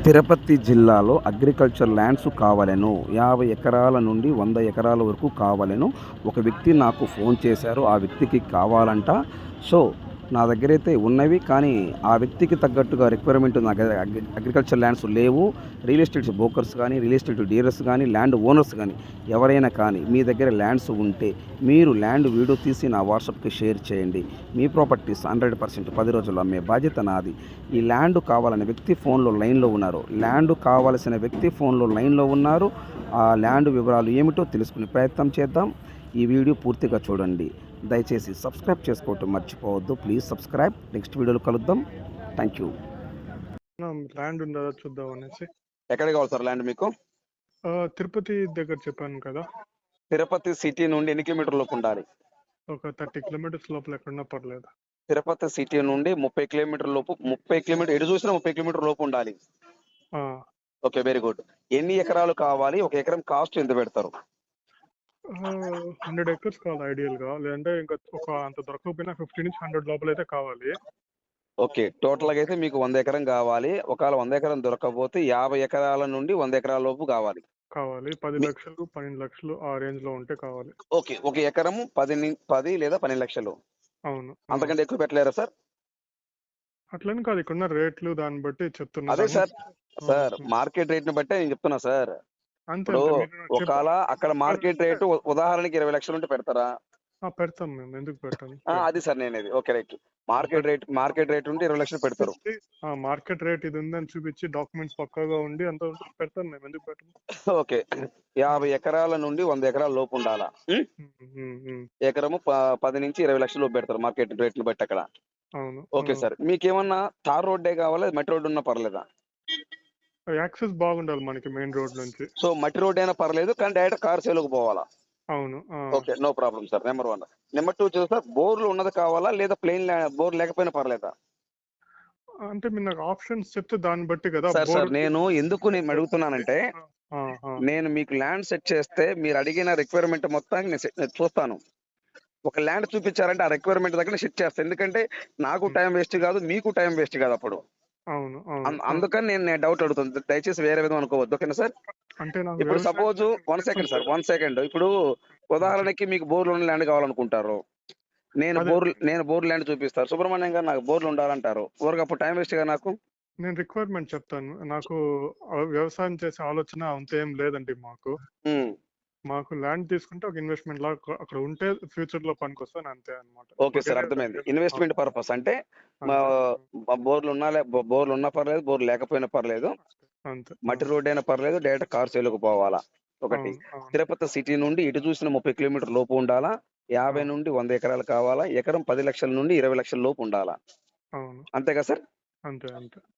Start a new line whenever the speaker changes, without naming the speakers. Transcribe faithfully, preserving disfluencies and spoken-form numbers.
తిరుపతి జిల్లాలో agriculture lands కావాలెను. యాభై ఎకరాల నుండి వంద ఎకరాల వరకు కావాలెను. ఒక వ్యక్తి నాకు ఫోన్ చేశారు. ఆ వ్యక్తికి కావాలంట. సో, నా దగ్గరైతే ఉన్నవి. కానీ ఆ వ్యక్తికి తగ్గట్టుగా రిక్వైర్మెంట్ నా దగ్గర అగ్రి అగ్రికల్చర్ ల్యాండ్స్ లేవు. రియల్ ఎస్టేట్ బ్రోకర్స్ కానీ, రియల్ ఎస్టేట్ డీలర్స్ కానీ, ల్యాండ్ ఓనర్స్ కానీ ఎవరైనా కానీ మీ దగ్గర ల్యాండ్స్ ఉంటే మీరు ల్యాండ్ వీడియో తీసి నా వాట్సాప్‌కి షేర్ చేయండి. మీ ప్రాపర్టీస్ హండ్రెడ్ పర్సెంట్ పది రోజుల్లో అమ్మే బాధ్యత నాది. ఈ ల్యాండ్ కావాలనే వ్యక్తి ఫోన్‌లో లైన్‌లో ఉన్నారు. ల్యాండ్ కావాల్సిన వ్యక్తి ఫోన్‌లో లైన్‌లో ఉన్నారు. ఆ ల్యాండ్ వివరాలు ఏమిటో తెలుసుకునే ప్రయత్నం చేద్దాం. ఈ వీడియో పూర్తిగా చూడండి. దయచేసి సబ్స్క్రైబ్ చేసుకోవటం మర్చిపోవద్దు. Please subscribe. నెక్స్ట్ వీడియోలో కలుద్దాం. Thank you.
ల్యాండ్ ఉందా చూద్దాం అనేసి.
ఎక్కడ కావాలి సార్ ల్యాండ్ మీకు?
ఆ, తిరుపతి దగ్గర చెప్పాను కదా,
తిరుపతి సిటీ నుండి ఎన్ని కిలోమీటర్ లోపు ఉండాలి?
ఒక థర్టీ కిలోమీటర్స్ లోపల ఎక్కడున్నా పర్లేదు.
తిరుపతి సిటీ నుండి ముప్పై కిలోమీటర్ లోపు ముప్పై కిలోమీటర్ ఎటు చూసినా ముప్పై కిలోమీటర్ లోపు ఉండాలి.
ఆ,
ఓకే, వెరీ గుడ్. ఎన్ని ఎకరాలు కావాలి? ఒక ఎకరం కాస్ట్ ఎంత పెడతారు?
హండ్రెడ్ ఎకర్స్ కావాలి ఐడియల్ గా, లేదంటే ఇంకా ఒక అంత దొరకకపోయినా ఫిఫ్టీ నుంచి హండ్రెడ్ లోపల అయితే కావాలి.
ఓకే, టోటల్ గా అయితే మీకు వంద ఎకరం కావాలి. ఒకవేళ వంద ఎకరం దొరకకపోతే యాభై ఎకరాల నుండి వంద ఎకరాల లోపు కావాలి.
కావాలి పది
మీ-
లక్షలు పన్నెండు లక్షలు ఆ రేంజ్ లో ఉంటే కావాలి.
ఓకే, ఒక ఎకరము పది ని- పది లేదా పన్నెండు లక్షలు.
అవును. ఆ.
అంతకంటే ఎక్కువ పెట్టలేరా సార్?
అట్లని కాదు, ఇక్కడున్న రేట్లు దాన్ని బట్టి చెప్తున్నా.
అదే సార్,
ఆ,
సార్
ఉమ్.
మార్కెట్ రేట్ ని బట్టే నేను చెప్తున్నా సార్.
అంతే
ఇప్పుడు
అంతే మీరు చెప్ప-
ఒకవేళ అక్కడ మార్కెట్ రేటు ఉ- ఉదాహరణకి ఇరవై లక్షలు ఉంటే పెడతారా?
ఆ, పెడతాం మేము, ఎందుకు పెట్టాను.
ఆ, అది సార్ నేనేది okay right. Market rate market rate ఉంటే ఇరవై లక్షలు పెడతారు.
మార్కెట్ రేట్ ఇది ఉందని చూపించి డాక్యుమెంట్స్ పక్కాగా ఉండి అంత ఉంటే పెడతాను మేము, ఎందుకు పెట్టను.
ఓకే, యాభై ఎకరాల నుండి వంద ఎకరాల లోపు ఉండాలా? ఉం?
ఉమ్, ఉమ్, ఉమ్.
ఎకరము ప- పది నుంచి ఇరవై లక్షల లోపు పెడతారు మార్కెట్ రేట్ ని బట్టి అక్కడ.
అవును.
ఓకే సార్, మీకేమన్నా తార్ రోడ్డే కావాలా మట్టి రోడ్డు ఉన్నా పర్లేదా?
యాక్సెస్ బాగుండాలి మనకి మెయిన్ రోడ్ నుంచి.
సో మట్టి రోడ్ అయినా పర్లేదు, కానీ డైరెక్ట్ కార్ సేలోకి పోవాలా?
అవును. ఆ.
Okay, no problem sir. Number one. Number two వచ్చేసి సార్, బోర్లు ఉన్నది కావాలా లేదా ప్లెయిన్ బోర్ లేకపోయినా పర్లేదా?
అంటే మీరు నాకు ఆప్షన్స్ చెప్తే దాన్ని బట్టి కదా.
సార్ సార్
బోర్డు-
నేను ఎందుకు నేను అడుగుతున్నానంటే,
ఆ, ఆ,
నేను మీకు ల్యాండ్ సెట్ చేస్తే మీరు అడిగిన రిక్వైర్మెంట్ మొత్తానికి నేను set- నేను చూస్తాను. ఒక ల్యాండ్ చూపించారంటే ఆ రిక్వైర్మెంట్ దగ్గర సెట్ చేస్తాను. ఎందుకంటే నాకు టైం వేస్ట్ కాదు, మీకు టైం వేస్ట్ కాదు అప్పుడు.
అవును. అవును.
అం- అందుకని నేను నేను డౌట్ అడుగుతాను. దయచేసి వేరే విధంగా అనుకోవద్దు, ఓకేనా సార్?
అంటే నాకు
ఇప్పుడు
వ్యవసాయం
suppose one second sir, one second. ఇప్పుడు ఉదాహరణకి మీకు బోర్లు ఉన్న ల్యాండ్ కావాలనుకుంటారు. నేను
అదే.
బోర్ నేను బోర్ ల్యాండ్ చూపిస్తారు. సుబ్రహ్మణ్యం గారు నాకు బోర్లు ఉండాలంటారు. ఊరికి అప్పుడు టైం వేస్ట్ గా నాకు.
నేను రిక్వైర్మెంట్ చెప్తాను. నాకు ఆ వ్యవసాయం చేసే ఆలోచన అంత ఏం లేదండి మాకు.
ఉమ్.
మాకు ల్యాండ్ తీసుకుంటే ఒక ఇన్వెస్ట్మెంట్ లాగా అక్కడ ఉంటే ఫ్యూచర్ లో పనికొస్తాను, అంతే అనమాట.
ఓకే సార్, అర్థమైంది. ఇన్వెస్ట్మెంట్ పర్పస్ అంటే మా- మా బోర్లు ఉన్నా లే- బో- బోర్లు ఉన్నా పర్లేదు, బోర్లు లేకపోయినా పర్లేదు,
అంతే.
మట్టి రోడ్ అయినా పర్లేదు, డైరెక్ట్ కార్ సేలుకు పోవాలా. ఒకటి,
అవును, అవును.
తిరుపతి సిటీ నుండి ఇటు చూసిన ముప్పై కిలోమీటర్ లోపు ఉండాలా. యాభై
అవును.
నుండి వంద ఎకరాలు కావాలా. ఎకరం పది లక్షల నుండి ఇరవై లక్షల లోపు ఉండాలా.
అవును.
అంతేగా సార్?
అంతే అంతే.